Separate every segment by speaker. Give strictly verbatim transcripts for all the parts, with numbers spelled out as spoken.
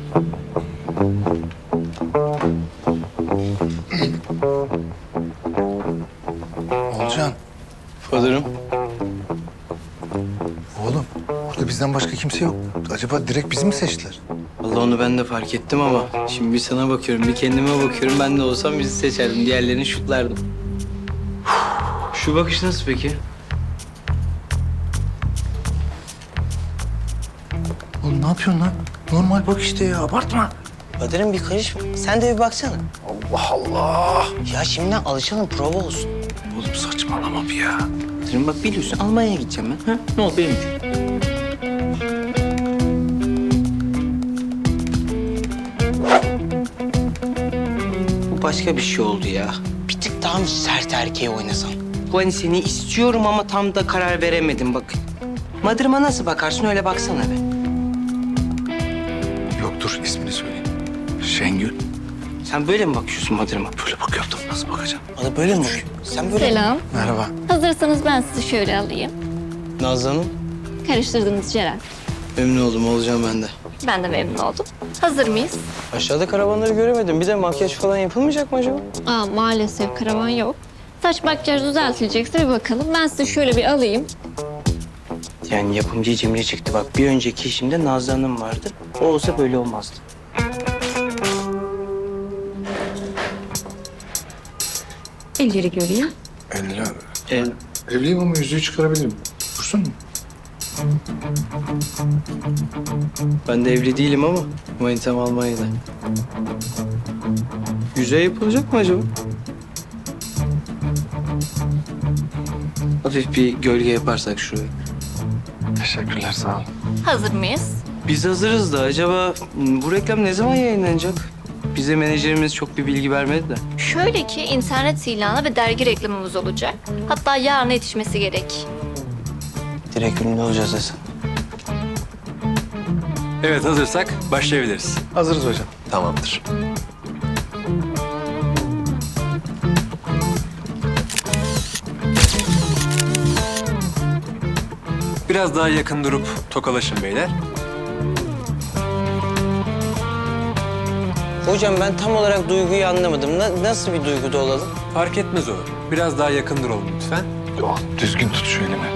Speaker 1: Olcan,
Speaker 2: Alırım.
Speaker 1: oğlum burada bizden başka kimse yok. Acaba direkt bizi mi seçtiler?
Speaker 2: Vallahi onu ben de fark ettim ama şimdi bir sana bakıyorum, bir kendime bakıyorum. Ben de olsam bizi seçerdim, diğerlerini şutlardım. Şu bakış nasıl peki?
Speaker 1: Oğlum ne yapıyorsun lan? Normal bak işte ya, abartma.
Speaker 2: Kadir'im bir karışma. Sen de bir baksana.
Speaker 1: Allah Allah.
Speaker 2: Ya şimdiden alışalım, prova olsun.
Speaker 1: Oğlum saçmalama bir ya.
Speaker 2: Kadir'im bak biliyorsun Almanya'ya gideceğim ben. Ha? Ne oldu benim için? Bu başka bir şey oldu ya. Bir tık daha mı sert erkeği oynasan? Bu hani seni istiyorum ama tam da karar veremedim bak. Madırıma nasıl bakarsın öyle baksana be.
Speaker 1: Yok dur, ismini söyleyeyim. Şengül.
Speaker 2: Sen böyle mi bakıyorsun Madırıma?
Speaker 1: Böyle bakıyordum, nasıl bakacağım?
Speaker 2: Bana böyle mi bakıyorsun? Sen böyle...
Speaker 3: Selam.
Speaker 1: Merhaba.
Speaker 3: Hazırsanız ben sizi şöyle alayım.
Speaker 2: Nazlı Hanım.
Speaker 3: Karıştırdınız Ceren.
Speaker 2: Memnun oldum, olacağım ben de.
Speaker 3: Ben de memnun oldum. Hazır mıyız?
Speaker 2: Aşağıda karavanları göremedim. Bir de makyaj falan yapılmayacak mı acaba?
Speaker 3: Aa, maalesef karavan yok. Saç makyaj düzeltilecekse bir bakalım. Ben sizi şöyle bir alayım.
Speaker 2: Yani yapımcı Cemile çıktı. Bak bir önceki işimde Nazlı Hanım vardı. O olsa böyle olmazdı.
Speaker 3: Elleri göreyim.
Speaker 1: Elli abi.
Speaker 2: El,
Speaker 1: Evliyim ama yüzüğü çıkarabilirim. Dursun mu?
Speaker 2: ben de evli değilim ama manitam Almanya'da. Yüzeye yapılacak mı acaba? Hafif bir gölge yaparsak şuraya.
Speaker 1: Teşekkürler, sağ ol.
Speaker 3: Hazır mıyız?
Speaker 2: Biz hazırız da acaba m, bu reklam ne zaman yayınlanacak? Bize menajerimiz çok bir bilgi vermedi de.
Speaker 3: Şöyle ki internet ilanı ve dergi reklamımız olacak. Hatta yarına yetişmesi gerek.
Speaker 2: Direkt ünlü olacağız desen.
Speaker 4: Evet, hazırsak başlayabiliriz.
Speaker 1: Hazırız hocam.
Speaker 4: Tamamdır. Biraz daha yakın durup tokalaşın beyler.
Speaker 2: Hocam ben tam olarak duyguyu anlamadım. Na- nasıl bir duyguda olalım?
Speaker 4: Fark etmez o. Biraz daha yakın duralım lütfen.
Speaker 1: Yok, düzgün tut şu elimi.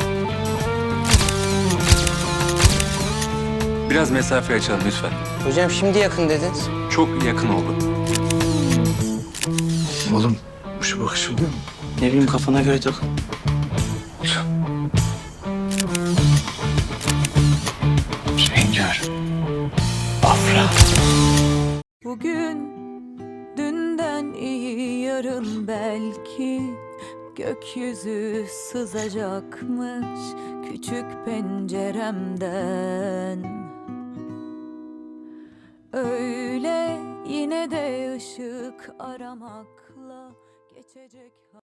Speaker 4: Biraz mesafe açalım lütfen.
Speaker 2: Hocam şimdi yakın dediniz.
Speaker 4: Çok yakın oldu.
Speaker 1: Oğlum şu bakış oluyor mu?
Speaker 2: Ne bileyim kafana göre tak.
Speaker 1: Şengül. Afra.
Speaker 5: Bugün dünden iyi yarın belki gökyüzü sızacakmış küçük penceremden. Öyle yine de ışık aramakla geçecek.